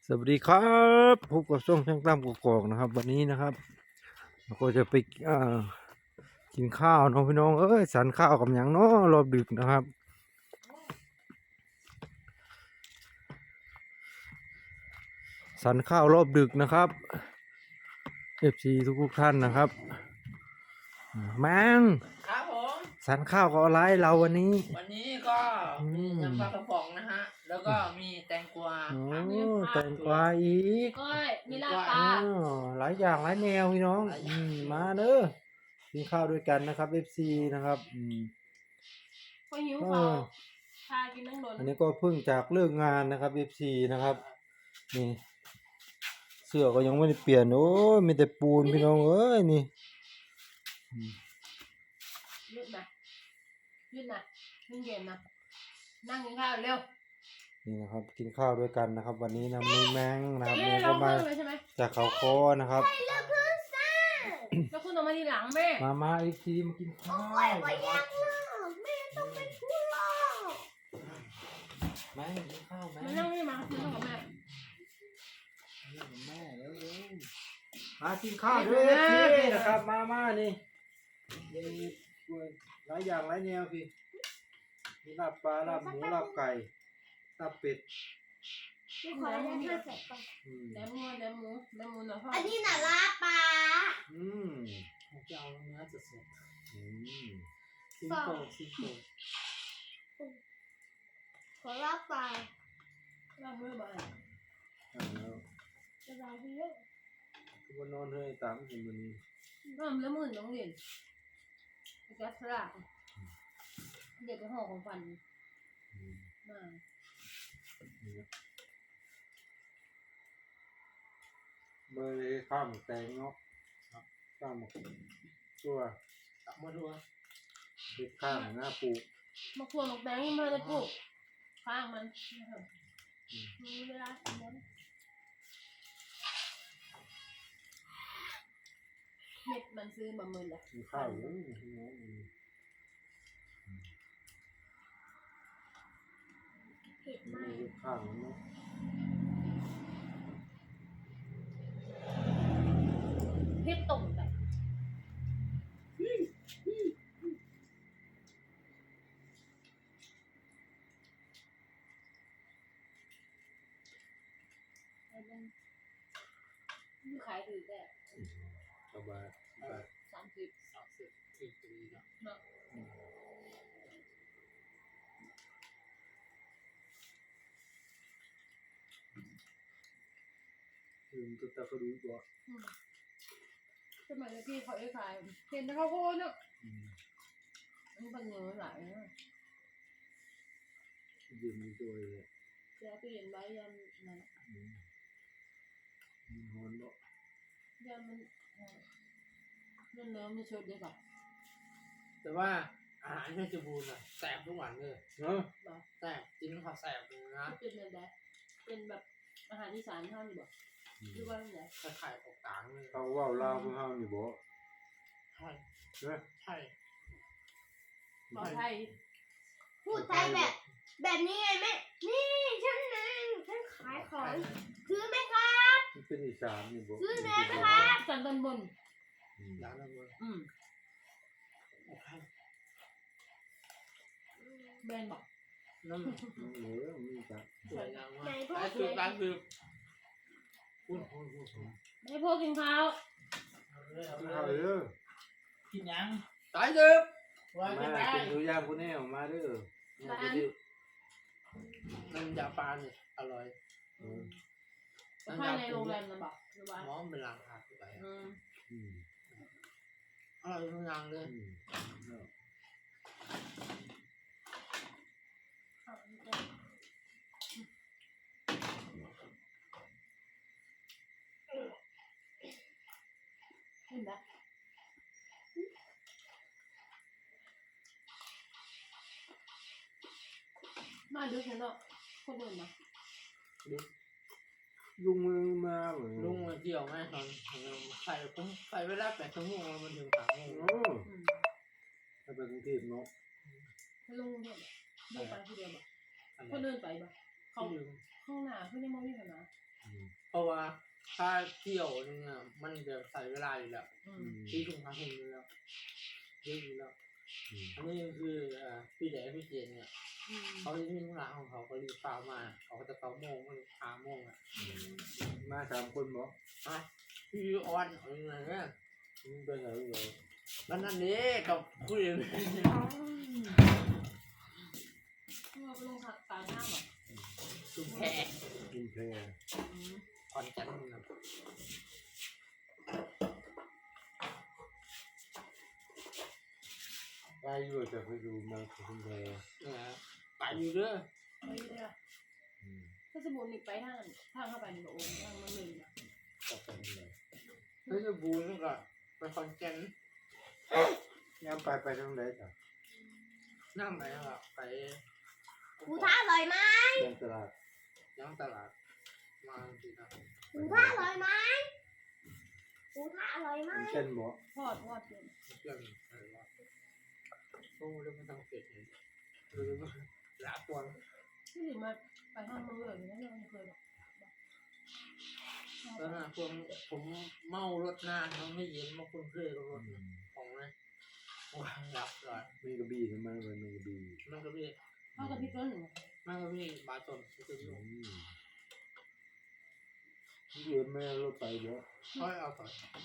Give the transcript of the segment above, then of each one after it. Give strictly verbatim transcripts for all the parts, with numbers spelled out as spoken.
สวัสดีครับพบกับช่องช่างตั้มกกอกนะครับวันนี้นะครับเราก็จะไปอ่ากินข้าวน้องพี่น้องเอ้ยสันข้าวกับหยังเนาะรอบดึกนะครับสันข้าวรอบดึกนะครับเอฟซีทุกๆท่านนะครับแมงครับผมสันข้าวกับอะไรเราวันนี้วันนี้ก็มีน้ำปลากระป๋องนะฮะแล้วก็มีแตงกวาโอ้ผักแตงกวาอีกก้อยมีลาบปลาอ๋อหลายอย่างหลายแนวพี่น้องอืมมาเด้อกินข้าวด้วยกันนะครับเอฟซีนะครับอืมพอหิวข้าวพากินนั่งโดนอันนี้ก็เพิ่งจากเลิกงานนะครับ เอฟ ซี นะครับนี่เสื้อก็ยังไม่ได้เปลี่ยนโอ้ยมีแต่ปูนพี่น้องเอ้ยนี่อืมยืดนะยืดนะยืดเย็นนะนั่งกินข้าวเร็วนี่นะครับกินข้าวด้วยกันนะครับ วันนี้นะมีแมงนะครับเอ๊ะแมงเราก็มาเพิ่งเลยใช่ไหมจากเขาคอนะครับแล้วคุณออกมาทีหลังแม่มามาอีกทีมากินข้าวนะครับแม่กินข้าวแม่มานั่งนี่มามานั่งกับแม่แม่แล้วเร็วมากินข้าวด้วยพี่นะครับมามานี่มีหลายอย่างหลายแนวพี่มีลาบปลาลาบหมูลาบไก่ลาบเป็ดไม่ขอได้ห้าแสนก่อนอืมแหนมงัวแหนมหมูแหนมหมูหน่อยพ่ออันนี้น่ะลาปลาอืมผมจะเอาเนื้อสดอืมๆซิมโตซิมโตขอลาปลาลาบเมื่อบ่ายอ่าแล้วสบายดีเยอะทุกคนนอนเฮ้ยตามเห็นวันนี้น้ำแล้วมื่นน้องเรียนแก๊สลาบเด็กไปห่อของฟันอืมมานี่นะเบอร์เลยข้าวหมูแตงเนาะข้าวหมูตัวตักมาดูเด็ดข้าวหน้าปูมะขวดมะแตงยังไม่ได้ปลูกข้างมันมีเวลาเลี้ยงเม็ดมันซื้อมาหมื่นละมีข้าวอยู่พี่น้องอืมเผ็ดมีมากเด็ดข้าวเนาะเผ็ดตรงไปนี่ขายถือแต่สบายสบายสามสิบสามสิบอีกปีเนาะเนาะลืมตัวตะกระดูกตัวอืมสมัยที่เขาไอ้ขายเห็นแต่เขาโคนเนาะอืมอันนี้บางเงินหลายนะยืมมีตัวเลยแกไปเห็นไว้ยันนั่นอืมมันฮอนบ่ยันมันเนื้อเนื้อมันชดเดียวกับแต่ว่าอาหารเพชรบูรณ์อะแสบทุกวันเลยเนาะบอกแสบกินข้าวแสบเลยนะเป็นแบบแบบเป็นแบบอาหารอีสานเท่านี้บอกอืมหรือว่าแบบไหนถ้าไข่ออกกลางเลยเขาเว่าลาวเพิ่งเฮานี่บ่ใช่เนาะใช่ขอไทยพูดไทยแบบ แบบนี้ไงแม่นี่ฉันนางฉันขายของซื้อไหมครับมันเป็นอีสานนี่บ่ซื้อแน่ไหมครับสันตอนบนอืมร้านนั้นเลยอืมโอเคแบรนด์บอกนั่นเออมีจ้ะสวยงามมากร้านคือร้านคือพูดพูดพูดพูดให้พวกกินข้าวเอาเลยเอาเอาเลยเด้อกินยังตายเด้อว่ามากินได้กินตัวอย่างผู้แน่มาเด้อเนี่ยจะได้น้ำยาปลาเนี่ยอร่อยเออภายในโรงแรมนะบอกหรือว่าหมอมเป็นหลังหักไปอืมอืมอร่อยทุกอย่างเลยอืมเนาะข้าวอันนี้ก็เห็นไหมมาดูฉันเนาะคนอื่นนะลุงมือมาเหมือนลุงมาเที่ยวแม่ตอนใส่ผมใส่เวลาแปดชั่วโมงมันถึงสามโมงโอ้อืมถ้าไปกรุงเทพเนาะลุงเนี่ยลุงไปคนเดียวบอกคนอื่นไปบอกเขาที่ลืมข้างหน้าเพื่อนยังมองไม่เห็นนะอืเพราะว่าถ้าเที่ยวนึงอ่ะมันจะใส่เวลาอยู่แล้วอือืมมที่ทุ่งพักหุ่นอยู่แล้วเยอะอยู่แล้วอืมอันนี้คืออ่าพี่แดงพี่เจนเนี่ยอืมเขาจะมีธุระของเขาก็รีบฟ้ามาเขาก็จะเก้าโมงก็สามโมงอ่ะมาสามคนบ่อ่ะพี่ออนอะไรเนี่ยมึงไปไหนเลยแล้วนั่นนี่กับคุยเราไปลงสายน้ำเหรอชุมแพกินเพลอืมคอนจันทร์นะไปอยู่จะไปดูมาคุณเพลเนี่ยไปอยู่เด้อไปเรื่อยถ้าสมมตินี่ไปทางทางเข้าไปนี่บอกโอ้ทางมันเลยนะก็ไปเลยแล้วจะบูนก็ไปคอนแกนย่ำไปไปทางไหนจ้ะนั่งไหนอ่ะไปหมูทะอร่อยไหมยังตลาดยังตลาดมาสินะหมูทะอร่อยไหมหมูทะอร่อยไหมมันเช่นบ่ทอดทอดเกินเรื่องอะไรวะโอ้เรื่องมันต้องเสร็จเลยหรือว่าละตัวที่หลิมาไปทางมันเลยนะเราไม่เคยหรอกแล้วนะพวกผมเมารถนานมันไม่เย็นมาคุ้นเคยกับรถของนะว้าหลับก่อนมีกระบี่ทำไมมันมีกระบี่มันก็มีเข้ากับพี่ต้นหนึ่งมันก็มีบาสนก็มีอืมที่เรียนไม่เอารถไปเยอะค่อยเอาก่อน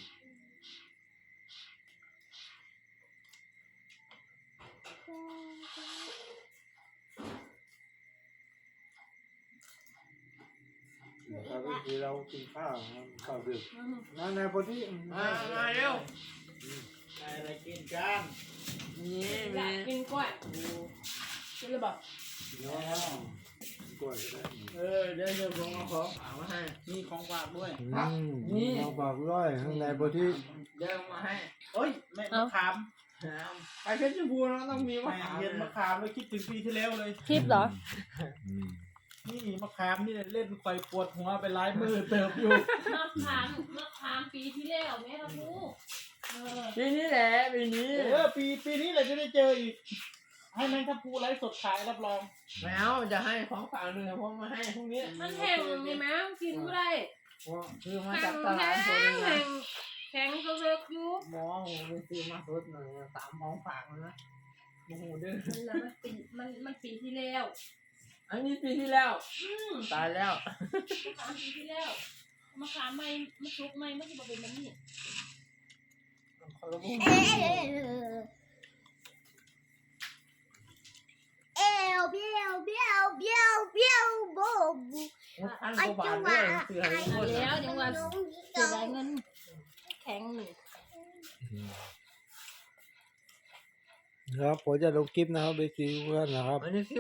นะครับก็คือเรากินข้าวนะครับข้าวดึกอืมนั่นในพอดีมามาเร็วอะไรกินกันนี่อยามีกกินกล้วยกินเลยบอกเนาะกล้วยก็ได้เออเดี๋ยวเดี๋ยวผมเอาของฝากมาให้มีของฝากด้วยอืมนี่เราบอกร้อยข้างในพอดีเดี๋ยวเอามาให้เอ้ยแม่มะขามไปเพชรบูรณ์เราต้องมีมะแม่ขามเย็นมะขามเลยคิดถึงปีที่แล้วเลยคลิปเหรออืมนี่มะขามนี่เล่นไฟปวดหัวไปหลายมือเติบอยู่มะขามมะขามปีที่แล้วแม่ครับลูกเออปีนี้แหละปีนี้เออปีปีนี้เราจะได้เจออีก ให้แมงทับพลูไลฟ์สดขายรับรองแมวจะให้ของฝากหนึ่งผมมาให้พรุ่งนี้มันแห้งนี่แม่กินไม่ได้คือมาแข็จากงตลาดสดแข็งเลยแข็นะงแข็งก็เลิกอยู่หมอโหไปซื้อมาสดหน่อยสามของฝากนะโอ้โหเด้อมันละมันปีมันมันปีที่แล้วอันนี้ปีที่แล้วอืมตายแล้วมะขามปีที่แล้วมะขามไม่มะซุกไม่ไม่ใช่เป็นแบบนี้คนละมุมเออเอวเบี้ยวเบี้ยวเบี้ยวเบี้ยวโบบูอันกว่าบาทด้วยซื้อให้ทุกคนแล้วเดี๋ยวว่าเสียดายเงินแข็งนี่ครับผมจะลงคลิปนะครับไปซีเพื่อนนะครับอันนี้